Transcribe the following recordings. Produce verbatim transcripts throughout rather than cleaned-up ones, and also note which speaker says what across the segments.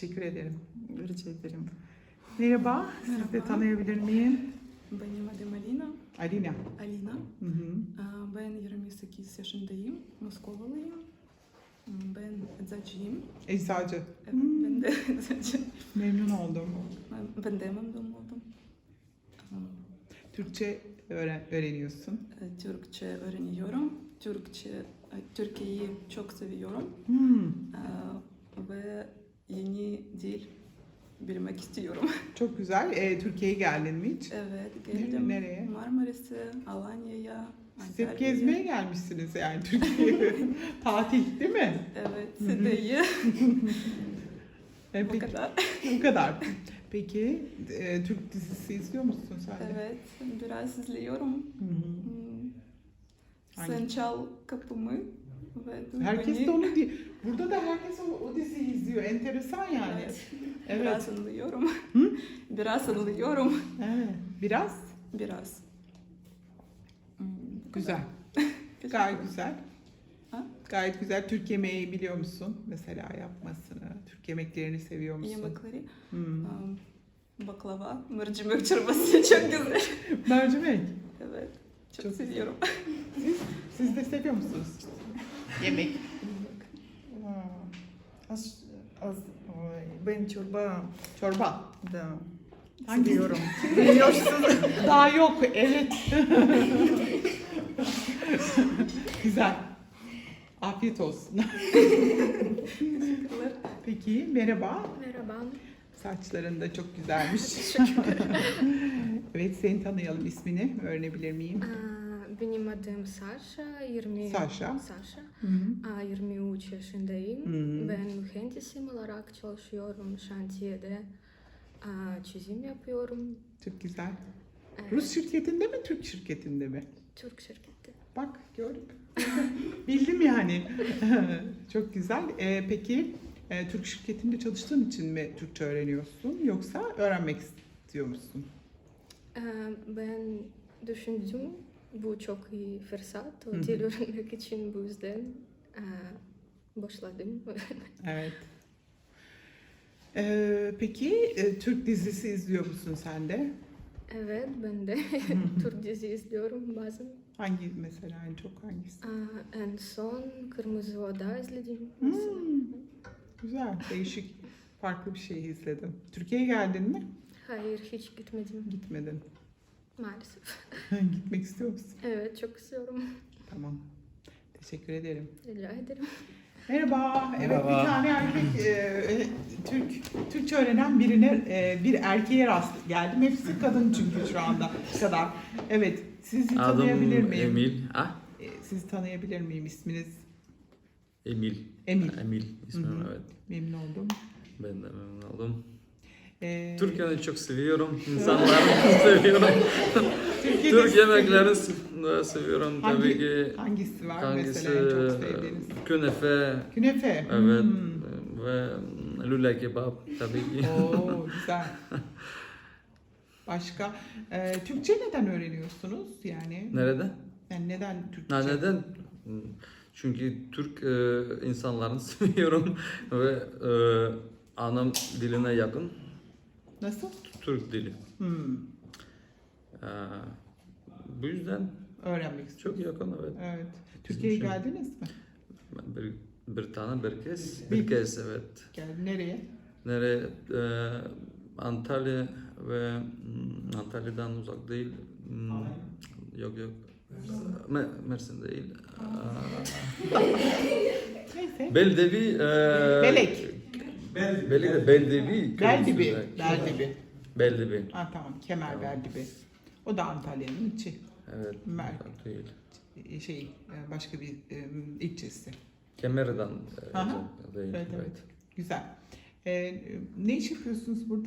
Speaker 1: Teşekkür ederim.
Speaker 2: Rica ederim.
Speaker 1: Merhaba, sizi de
Speaker 3: Merhaba.
Speaker 1: tanıyabilir miyim?
Speaker 3: Benim adım Alina.
Speaker 1: Alina.
Speaker 3: Alina.
Speaker 1: Hı hı.
Speaker 3: Aa, Ben yirmi sekiz yaşındayım. Moskovalıyım. Ben eczacıyım.
Speaker 1: Eczacı.
Speaker 3: Evet,
Speaker 1: Hmm,
Speaker 3: ben de eczacı.
Speaker 1: Memnun oldum.
Speaker 3: Ben- Ben de memnun oldum. Aa,
Speaker 1: Türkçe öğren öğreniyorsun.
Speaker 3: e, Türkçe öğreniyorum. Türkçe, e, Türkiye'yi çok seviyorum.
Speaker 1: Hmm,
Speaker 3: Aa, Ve yeni dil bilmek istiyorum.
Speaker 1: çok güzel. Ee, Türkiye'ye geldin mi hiç?
Speaker 3: Evet,
Speaker 1: Nere-
Speaker 3: geldim.
Speaker 1: nereye?
Speaker 3: Marmaris'e, Alanya'ya,
Speaker 1: Siz hep
Speaker 3: Antalya'ya.
Speaker 1: gezmeye gelmişsiniz yani Türkiye'ye. Tatil değil mi?
Speaker 3: Evet,
Speaker 1: Hı hı.
Speaker 3: Side'yi.
Speaker 1: Ee,
Speaker 3: Bu
Speaker 1: peki,
Speaker 3: kadar.
Speaker 1: bu kadar. Peki e, Türk dizisi izliyor musun sen de?
Speaker 3: Evet, biraz izliyorum.
Speaker 1: Hı hı.
Speaker 3: Hmm.
Speaker 1: Hangi?
Speaker 3: Sen çal kapımı ve duy
Speaker 1: Herkes
Speaker 3: beni.
Speaker 1: de onu diyor. Burada da herkes o, o diziyi izliyor. Enteresan yani.
Speaker 3: Evet.
Speaker 1: Evet.
Speaker 3: Biraz anlıyorum.
Speaker 1: Hı?
Speaker 3: Biraz anlıyorum.
Speaker 1: Evet. Biraz
Speaker 3: Biraz. Hmm, bu
Speaker 1: güzel.
Speaker 3: kadar. Teşekkür
Speaker 1: Gayet
Speaker 3: ederim.
Speaker 1: güzel.
Speaker 3: Ha?
Speaker 1: Gayet güzel. Türk yemeği biliyor musun? Mesela yapmasını. Türk yemeklerini seviyor musun?
Speaker 3: Yemekleri.
Speaker 1: Hmm.
Speaker 3: um, Baklava, mercimek çorbası çok güzel.
Speaker 1: Mercimek.
Speaker 3: Evet, çok,
Speaker 1: Çok güzel.
Speaker 3: seviyorum.
Speaker 1: Siz, siz de seviyor musunuz? Yemek.
Speaker 2: Aa, Az, az, Ay, ben çorba
Speaker 1: Çorba.
Speaker 2: da
Speaker 1: Hangi?
Speaker 2: seviyorum. Biliyorsunuz.
Speaker 1: Daha yok. Evet. Güzel. Afiyet olsun.
Speaker 3: Teşekkürler.
Speaker 1: Peki merhaba.
Speaker 4: Merhaba.
Speaker 1: Saçların da çok güzelmiş. Evet, seni tanıyalım. İsmini öğrenebilir miyim?
Speaker 4: Aa, Benim adım Sasha. yirmi
Speaker 1: Saşa.
Speaker 4: Sasha.
Speaker 1: Hı hı.
Speaker 4: Aa, yirmi üç yaşındayım.
Speaker 1: Hı.
Speaker 4: Ben mühendisim olarak çalışıyorum şantiyede. Aa, Çizim yapıyorum.
Speaker 1: Çok güzel.
Speaker 4: Evet,
Speaker 1: Rus şirketinde mi, Türk şirketinde mi?
Speaker 4: Türk şirketi.
Speaker 1: Bak, gördüm. Bildim yani. Çok güzel. Ee, peki, e, Türk şirketinde çalıştığın için mi Türkçe öğreniyorsun, yoksa öğrenmek istiyor musun?
Speaker 4: Aa, Ben düşündüm bu çok iyi fırsat.
Speaker 1: Hı
Speaker 4: O
Speaker 1: hı.
Speaker 4: dil öğrenmek için bu yüzden aa, başladım.
Speaker 1: Evet. Ee, peki, e, Türk dizisi izliyor musun sen de?
Speaker 4: Evet, ben de Türk dizi izliyorum bazen.
Speaker 1: Hangi mesela, en çok hangisi?
Speaker 4: Aa, En son Kırmızı Oda izledim.
Speaker 1: Hmm, güzel, değişik, farklı bir şey izledim. Türkiye'ye geldin mi?
Speaker 4: Hayır, hiç gitmedim
Speaker 1: Gitmedin.
Speaker 4: maalesef.
Speaker 1: Gitmek istiyor musun?
Speaker 4: Evet, çok istiyorum.
Speaker 1: Tamam. Teşekkür ederim.
Speaker 4: Rica ederim.
Speaker 1: Merhaba. Evet,
Speaker 5: Merhaba.
Speaker 1: bir tane erkek, e, Türk Türkçe öğrenen birine, e, bir erkeğe rast geldim. Hepsi kadın çünkü şu anda bu kadar. Evet, sizi tanıyabilir
Speaker 5: Adım
Speaker 1: miyim?
Speaker 5: Emil. Ah,
Speaker 1: E, Sizi tanıyabilir miyim? İsminiz
Speaker 5: Emil.
Speaker 1: Emil.
Speaker 5: Emil ismim,
Speaker 1: Hı hı.
Speaker 5: evet.
Speaker 1: Memnun oldum.
Speaker 5: Ben de memnun oldum.
Speaker 1: E,
Speaker 5: Türkiye'yi çok seviyorum. İnsanları seviyorum.
Speaker 1: Türkiye'de
Speaker 5: Türk
Speaker 1: sizi-
Speaker 5: yemeklerini se- seviyorum
Speaker 1: Hangi-
Speaker 5: tabii ki.
Speaker 1: Hangisi var
Speaker 5: Hangisi?
Speaker 1: mesela en çok sevdiğiniz?
Speaker 5: Künefe.
Speaker 1: Künefe.
Speaker 5: Evet.
Speaker 1: Hmm.
Speaker 5: Ve lüle kebap tabii ki.
Speaker 1: Oo, güzel. Başka? E, Türkçe neden öğreniyorsunuz? Yani,
Speaker 5: Nerede?
Speaker 1: yani neden Türkçe?
Speaker 5: Ha, neden? Çünkü Türk e, insanlarını seviyorum ve e, anam diline yakın.
Speaker 1: Nasıl?
Speaker 5: Türk dili.
Speaker 1: Hmm.
Speaker 5: E, bu yüzden
Speaker 1: Öğrenmek istiyorum.
Speaker 5: çok yakın, evet.
Speaker 1: Evet. Türkiye'ye
Speaker 5: için.
Speaker 1: geldiniz mi?
Speaker 5: Ben Bir, bir tane bir kez,
Speaker 1: Bir-
Speaker 5: bir kez evet.
Speaker 1: Geldi. Nereye?
Speaker 5: Nereye? E, Antalya ve hmm, Antalya'dan uzak değil. Hmm, yok yok. Me- Mersin değil.
Speaker 1: Neyse.
Speaker 5: E, Beldevi. E,
Speaker 1: Belek.
Speaker 5: Beldevi. Beldevi.
Speaker 1: Beldibi.
Speaker 5: köyümüzde.
Speaker 1: Beldibi.
Speaker 5: Beldevi.
Speaker 1: Ha tamam. Kemer
Speaker 5: Tamam.
Speaker 1: Beldibi. O da Antalya'nın içi.
Speaker 5: Evet.
Speaker 1: Mer-
Speaker 5: uzak değil.
Speaker 1: Şey, e, başka bir e, ilçesi.
Speaker 5: Kemer'den e,
Speaker 1: Aha.
Speaker 5: uzak değil.
Speaker 1: Evet,
Speaker 5: Evet.
Speaker 1: evet. Güzel. E, ne iş yapıyorsunuz burada?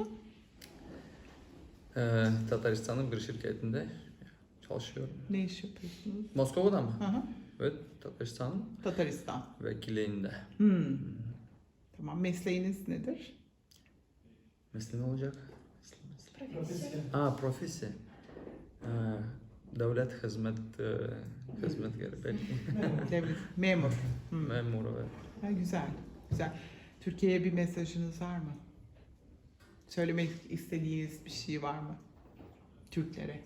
Speaker 5: E, Tataristan'ın bir şirketinde çalışıyorum.
Speaker 1: Ne iş yapıyorsunuz?
Speaker 5: Moskova'da mı?
Speaker 1: Aha.
Speaker 5: Evet, Tataristan'ın
Speaker 1: Tataristan.
Speaker 5: vekilliğinde.
Speaker 1: Hmm. Tamam. Mesleğiniz nedir?
Speaker 5: Mesleği ne olacak? Aa, profesi. Ha, devlet hizmet e, hizmetkarı belki.
Speaker 1: Devlet. Memur. Hmm.
Speaker 5: Memur, evet.
Speaker 1: Ha, güzel. Güzel. Türkiye'ye bir mesajınız var mı? söylemek istediğiniz bir şey var mı? Türklere.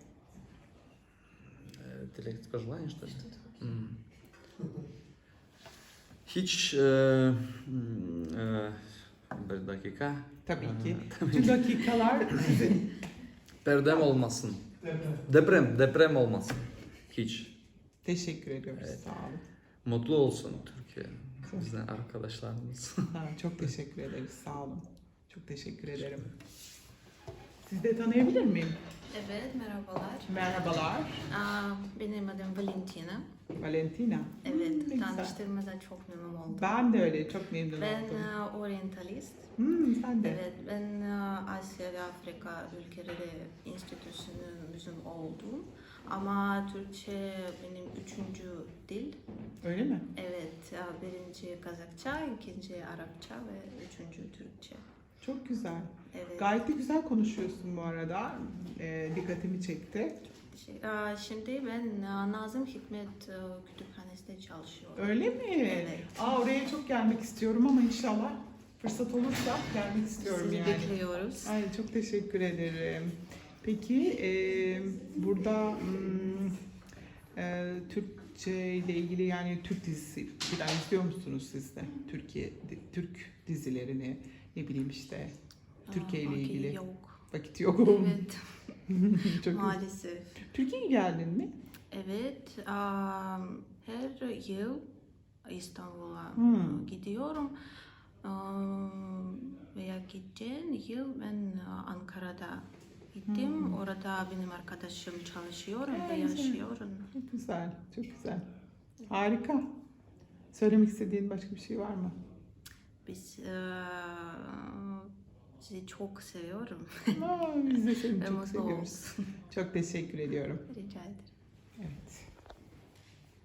Speaker 5: Э, Директ пожеланий, что ли? М. Hiç e, e, bir dakika.
Speaker 1: Tabii ki.
Speaker 5: Ee,
Speaker 1: Tüm dakikalar sizin.
Speaker 5: Perdem olmasın. Deprem, deprem olmasın. Hiç.
Speaker 1: Teşekkür ediyoruz.
Speaker 5: Evet.
Speaker 1: Sağ olun.
Speaker 5: Mutlu olsun Türkiye. Bizden arkadaşlarımız.
Speaker 1: Ha, çok teşekkür ederiz. Sağ olun. Çok teşekkür ederim. Sizi de tanıyabilir miyim?
Speaker 6: Evet, merhabalar.
Speaker 1: Merhabalar.
Speaker 6: Aa, benim adım Valentina.
Speaker 1: Valentina.
Speaker 6: Evet,
Speaker 1: Hmm, ne güzel.
Speaker 6: tanıştığımıza çok memnun oldum.
Speaker 1: Ben de öyle. Çok memnun
Speaker 6: Ben
Speaker 1: oldum.
Speaker 6: e, orientalist.
Speaker 1: Hmm, sen de.
Speaker 6: Evet, ben e, Asya ve Afrika ülkeleri enstitüsünün mezun oldum. Ama Türkçe benim üçüncü dil.
Speaker 1: Öyle mi?
Speaker 6: Evet, e, birinci Kazakça, ikinci Arapça ve üçüncü Türkçe.
Speaker 1: Çok güzel.
Speaker 6: Evet.
Speaker 1: Gayet de güzel konuşuyorsun bu arada. Ee, dikkatimi çekti.
Speaker 6: Şey, e, Şimdi ben e, Nazım Hikmet e, Kütüphanesi'nde çalışıyorum.
Speaker 1: Öyle mi?
Speaker 6: Evet.
Speaker 1: Aa, oraya çok gelmek istiyorum ama inşallah fırsat olursa gelmek istiyorum
Speaker 6: Sizi
Speaker 1: yani.
Speaker 6: bekliyoruz.
Speaker 1: Ay, çok teşekkür ederim. Peki e, burada hmm, e, Türkçe ile ilgili yani Türk dizisi falan izliyor musunuz siz de? Türkiye di- Türk dizilerini ne bileyim işte Türkiye ile
Speaker 6: Aa,
Speaker 1: ilgili
Speaker 6: Yok.
Speaker 1: vakit yok.
Speaker 6: Evet,
Speaker 1: Çok
Speaker 6: maalesef.
Speaker 1: Türkiye'ye geldin mi?
Speaker 6: Evet, am, her yıl İstanbul'a
Speaker 1: Hmm.
Speaker 6: gidiyorum. Am, Veya geçen yıl ben Ankara'da gittim.
Speaker 1: Hmm.
Speaker 6: Orada benim arkadaşım çalışıyorum ve
Speaker 1: Evet.
Speaker 6: yaşıyorum.
Speaker 1: Çok güzel, çok güzel. Harika. Söylemek istediğin başka bir şey var mı?
Speaker 6: Biz eee, sizi çok seviyorum.
Speaker 1: Aa, biz de seni
Speaker 6: Ve
Speaker 1: çok
Speaker 6: mutlu
Speaker 1: seviyoruz.
Speaker 6: olsun.
Speaker 1: Çok teşekkür ediyorum.
Speaker 6: Rica ederim.
Speaker 1: Evet.